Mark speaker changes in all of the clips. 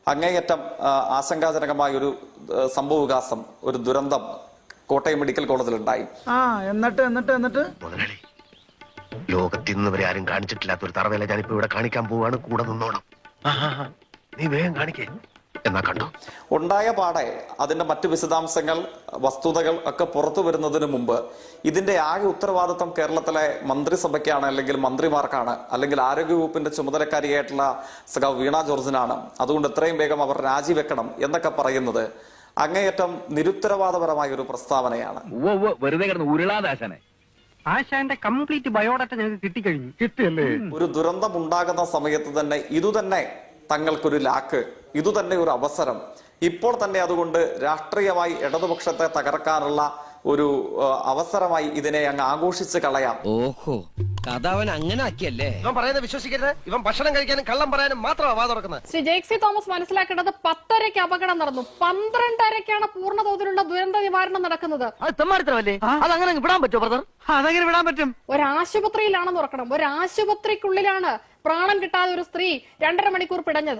Speaker 1: അങ്ങേയറ്റം ആശങ്കാജനകമായ ഒരു സംഭവവികാസം, ഒരു ദുരന്തം കോട്ടയം മെഡിക്കൽ കോളേജിൽ ഉണ്ടായി.
Speaker 2: എന്നിട്ട്
Speaker 3: ലോകത്തിൽ നിന്ന് വരെ ആരും കാണിച്ചിട്ടില്ലാത്ത ഒരു തറവേല ഞാനിപ്പോ ഇവിടെ കാണിക്കാൻ പോവാണ്. കൂടെ നിന്നോണം. നീ വേഗം കാണിക്കേ എന്നാ കണ്ടോ.
Speaker 1: ഉണ്ടായ പാടെ അതിന്റെ മറ്റു വിശദാംശങ്ങൾ, വസ്തുതകൾ ഒക്കെ പുറത്തു വരുന്നതിന് മുമ്പ് ഇതിന്റെ ആകെ ഉത്തരവാദിത്വം കേരളത്തിലെ മന്ത്രിസഭയ്ക്കാണ്, അല്ലെങ്കിൽ മന്ത്രിമാർക്കാണ്, അല്ലെങ്കിൽ ആരോഗ്യവകുപ്പിന്റെ ചുമതലക്കാരിയായിട്ടുള്ള സഖാവ് വീണ ജോർജിനാണ്. അതുകൊണ്ട് എത്രയും വേഗം അവർ രാജിവെക്കണം എന്നൊക്കെ പറയുന്നത് അങ്ങേയറ്റം നിരുത്തരവാദപരമായ ഒരു പ്രസ്താവനയാണ്.
Speaker 4: വെറുതെ കിടന്ന് ഉരുളാദാശനെ ആശാന്റെ കംപ്ലീറ്റ് ബയോഡാറ്റ ഞങ്ങൾക്ക് കിട്ടിക്കഴിഞ്ഞു. കിട്ടിയല്ലേ?
Speaker 1: ഒരു ദുരന്തം ഉണ്ടാകുന്ന സമയത്ത് തന്നെ ഇതുതന്നെ തങ്ങൾക്കൊരു ലാക്ക്, ഇതുതന്നെ ഒരു അവസരം. ഇപ്പോൾ തന്നെ അതുകൊണ്ട് രാഷ്ട്രീയമായി ഇടതുപക്ഷത്തെ തകർക്കാനുള്ള ഒരു അവസരമായി ഇതിനെ അങ്ങ് ആഘോഷിച്ച് കളയാം.
Speaker 5: ഓഹോ, കഥ അവൻ അങ്ങനെ ആക്കിയല്ലേ?
Speaker 3: ഇവൻ പറയുന്നത് വിശ്വസിക്കരുത്. ഇവൻ ഭക്ഷണം കഴിക്കാനും കള്ളം പറയാനും മാത്രമാണ് വാ തുറക്കുന്നത്.
Speaker 6: ശ്രീ ജെയ്ക്സി തോമസ് മനസ്സിലാക്കേണ്ടത് 10:30-ക്ക് അപകടം നടന്നു, 12:30-ക്കാണ് പൂർണ്ണ തോതിലുള്ള ദുരന്ത നിവാരണം നടക്കുന്നത്.
Speaker 4: അതങ്ങനെ വിടാൻ പറ്റുമോ ബ്രദർ? അതെങ്ങനെ വിടാൻ പറ്റും?
Speaker 6: ഒരാശുപത്രിയിലാണെന്ന് ഓർക്കണം. ഒരാശുപത്രിക്കുള്ളിലാണ് പ്രാണൻ കിട്ടാതെ ഒരു സ്ത്രീ 2.5 മണിക്കൂർ പിടഞ്ഞത്.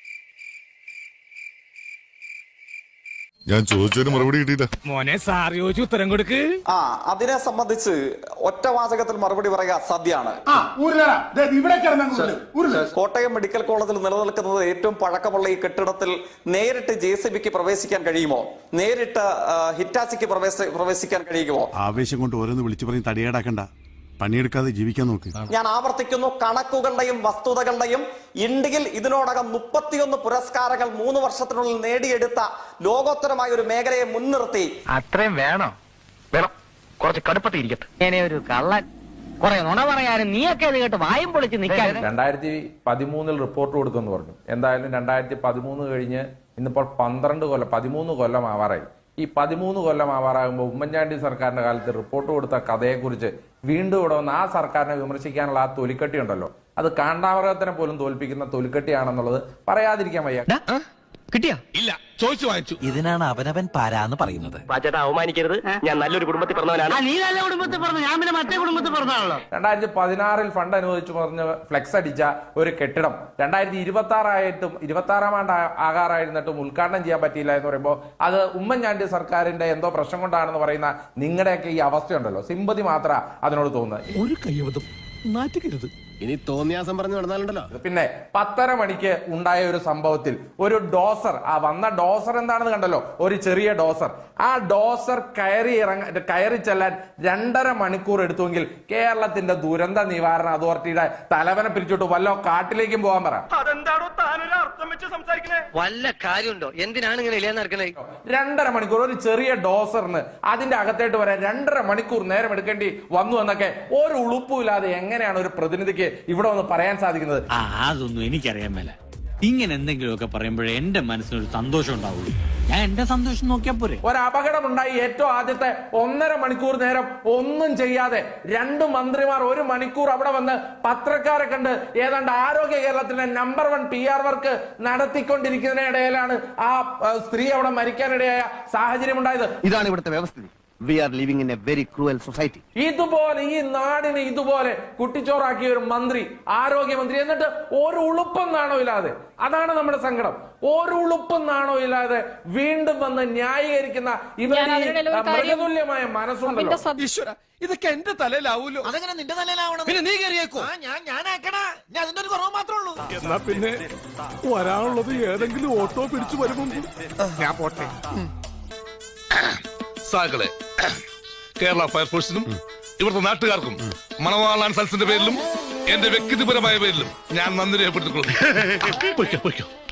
Speaker 7: ഞാൻ ചോദിച്ചതിന് മറുപടി കിട്ടിയില്ല.
Speaker 2: മോനെ സാർ ചോദിച്ചു ഉത്തരം കൊടുക്ക്.
Speaker 1: അതിനെ സംബന്ധിച്ച് ഒറ്റ വാചകത്തിൽ മറുപടി പറയുക അസാധ്യമാണ്. കോട്ടയം മെഡിക്കൽ കോളേജിൽ നിലനിൽക്കുന്നത് ഏറ്റവും പഴക്കമുള്ള ഈ കെട്ടിടത്തിൽ നേരിട്ട് JCBക്ക് പ്രവേശിക്കാൻ കഴിയുമോ? നേരിട്ട് ഹിറ്റാച്ചിക്ക് പ്രവേശിക്കാൻ കഴിയുമോ?
Speaker 7: ആവേശം കൊണ്ട് ഓരോന്ന് വിളിച്ചു പറഞ്ഞ് തടിയേടാക്കണ്ട, പണിയെടുക്കാതെ ജീവിക്കാൻ നോക്ക്.
Speaker 1: ഞാൻ ആവർത്തിക്കുന്നു, കണക്കുകളുടെയും വസ്തുതകളുടെയും ഇന്ത്യയിൽ ഇതിനോടകം 31 പുരസ്കാരങ്ങൾ 3 വർഷത്തിനുള്ളിൽ നേടിയെടുത്ത ലോകോത്തരമായ ഒരു മേഖലയെ മുൻനിർത്തി
Speaker 4: അത്രയും വേണം കുറച്ച് കടുപ്പത്തിരിക്കട്ടെ. ഇങ്ങനെ ഒരു കള്ളൻ കുറെ നുണ പറയാനും നീയൊക്കെ ഇത് കേട്ട് വായും പൊളിച്ച് നിൽക്കാൻ.
Speaker 8: 2013 റിപ്പോർട്ട് കൊടുക്കുമെന്ന് പറഞ്ഞു. എന്തായാലും 2013 കഴിഞ്ഞ് ഇന്നിപ്പോൾ 13 കൊല്ലം ആവാറായി. ഈ 13 കൊല്ലം ആവാറാകുമ്പോൾ ഉമ്മൻചാണ്ടി സർക്കാരിന്റെ കാലത്ത് റിപ്പോർട്ട് കൊടുത്ത കഥയെക്കുറിച്ച് വീണ്ടും ഇവിടെ വന്ന് ആ സർക്കാരിനെ വിമർശിക്കാനുള്ള ആ തൊലിക്കട്ടി ഉണ്ടല്ലോ, അത് കാണ്ടാമൃഗത്തിനെ പോലും തോൽപ്പിക്കുന്ന തൊലിക്കട്ടിയാണെന്നുള്ളത് പറയാതിരിക്കാൻ വയ്യ.
Speaker 5: കിട്ടിയാ?
Speaker 9: ഇല്ല, ചോദിച്ചു വാങ്ങിച്ചു.
Speaker 5: ഇതിനാണ് അവനവൻ പാരാന്ന് പറയുന്നത്.
Speaker 4: പാച്ചേട്ടാ അവമാനിക്കരുത്. ഞാൻ നല്ലൊരു കുടുംബത്തിൽ പറഞ്ഞവനാണ്. നീ നല്ല കുടുംബത്തിൽ പറഞ്ഞു, ഞാൻ പിന്നെ മറ്റേ കുടുംബത്തിൽ പറഞ്ഞാണല്ലോ.
Speaker 8: 2016 ഫണ്ട് അനുവദിച്ചു പറഞ്ഞ് ഫ്ലെക്സ് അടിച്ച ഒരു കെട്ടിടം 2026 ആണ്ട് ആകാറായിരുന്നിട്ടും ഉദ്ഘാടനം ചെയ്യാൻ പറ്റിയില്ല എന്ന് പറയുമ്പോൾ അത് ഉമ്മൻചാണ്ടി സർക്കാരിന്റെ എന്തോ പ്രശ്നം കൊണ്ടാണെന്ന് പറയുന്ന നിങ്ങളുടെയൊക്കെ ഈ അവസ്ഥയുണ്ടല്ലോ, സിമ്പതി മാത്രം അതിനോട് തോന്നുന്നത്.
Speaker 9: ഒരു കയ്യബദ്ധം നാറ്റിക്കരുത്.
Speaker 3: ഇനി തോന്നിയാസം പറഞ്ഞു നടന്നാലുണ്ടല്ലോ.
Speaker 8: പിന്നെ 10:30 മണിക്ക് ഉണ്ടായ ഒരു സംഭവത്തിൽ ഒരു ഡോസർ, ആ വന്ന ഡോസർ എന്താണെന്ന് കണ്ടല്ലോ, ഒരു ചെറിയ ഡോസർ. ആ ഡോസർ കയറി ചെല്ലാൻ 2.5 മണിക്കൂർ എടുത്തുവെങ്കിൽ കേരളത്തിന്റെ ദുരന്ത നിവാരണ അതോറിറ്റിയുടെ തലവനെ പിരിച്ചോട്ട് വല്ല കാട്ടിലേക്കും പോകാൻ പറ.
Speaker 4: അതെന്താണോ താനൊരു അർത്ഥം വെച്ച് സംസാരിക്കണേ? വല്ല കാര്യമുണ്ടോ? എന്തിനാണ് ഇങ്ങനെ ഇല്ലാന്ന് നടക്കണേ?
Speaker 8: 2.5 മണിക്കൂർ ഒരു ചെറിയ ഡോസറിന് അതിന്റെ അകത്തേട്ട് വരാൻ 2.5 മണിക്കൂർ നേരം എടുക്കേണ്ടി വന്നു എന്നൊക്കെ ഒരു ഉളുപ്പുമില്ലാതെ എങ്ങനെയാണ് ഒരു പ്രതിനിധിക്ക് ഇവിടെ ഒന്ന് പറയാൻ സാധിക്കുന്നത്?
Speaker 10: അതൊന്നും എനിക്കറിയാൻ മേല. ഇങ്ങനെ എന്തെങ്കിലുമൊക്കെ പറയുമ്പോഴേ എന്റെ മനസ്സിനൊരു സന്തോഷം ഉണ്ടാവുള്ളൂ. ഞാൻ എന്റെ സന്തോഷം നോക്കിയാ പോരെ.
Speaker 8: ഒരു അപകടമുണ്ടായി ഏറ്റവും ആദ്യത്തെ 1.5 മണിക്കൂർ നേരം ഒന്നും ചെയ്യാതെ 2 മന്ത്രിമാർ 1 മണിക്കൂർ അവിടെ വന്ന് പത്രക്കാരെ കണ്ട് ഏതാണ്ട് ആരോഗ്യ കേരളത്തിന്റെ നമ്പർ 1 PR വർക്ക് നടത്തിക്കൊണ്ടിരിക്കുന്നതിനിടയിലാണ് ആ സ്ത്രീ അവിടെ മരിക്കാനിടയായ സാഹചര്യം ഉണ്ടായത്.
Speaker 3: ഇതാണ് ഇവിടുത്തെ വ്യവസ്ഥിതി. We are living in a very cruel society.
Speaker 8: ഇതുപോലെ ഈ നാടിനെ ഇതുപോലെ കുട്ടിച്ചോറാക്കിയ ഒരു മന്ത്രി, ആരോഗ്യമന്ത്രി, എന്നിട്ട് ഒരു ഉളുപ്പം നാണോ ഇല്ലാതെ, അതാണ് നമ്മുടെ സങ്കടം, ഒരു ഉളുപ്പം നാണോ ഇല്ലാതെ വീണ്ടും വന്ന് ന്യായീകരിക്കുന്ന ഇവരുടെ മൃഗതുല്യമായ മനസ്സുണ്ടല്ലോ.
Speaker 9: ഈശ്വര, ഇതൊക്കെ എന്റെ തലയിലാവൂലോ.
Speaker 5: അതെങ്ങനെ നിന്റെ തലയിലാവണം?
Speaker 9: പിന്നെ നീ കയറിയേക്കോ?
Speaker 5: ഞാനാക്കണ, ഞാൻ അതിന്റെ ഒരു കുറവ് മാത്രമേ ഉള്ളൂ.
Speaker 9: എന്നാ പിന്നെ വരാനുള്ളത് ഏതെങ്കിലും ഓട്ടോ പിടിച്ചു വരുമ്പോ ഞാൻ പോട്ടെ. സാകളെ, കേരള ഫയർഫോഴ്സിനും ഇവിടുത്തെ നാട്ടുകാർക്കും മണവാളാൻ സൽസിന്റെ പേരിലും എന്റെ വ്യക്തിപരമായ പേരിലും ഞാൻ നന്ദി രേഖപ്പെടുത്തിക്കൊള്ളുന്നു.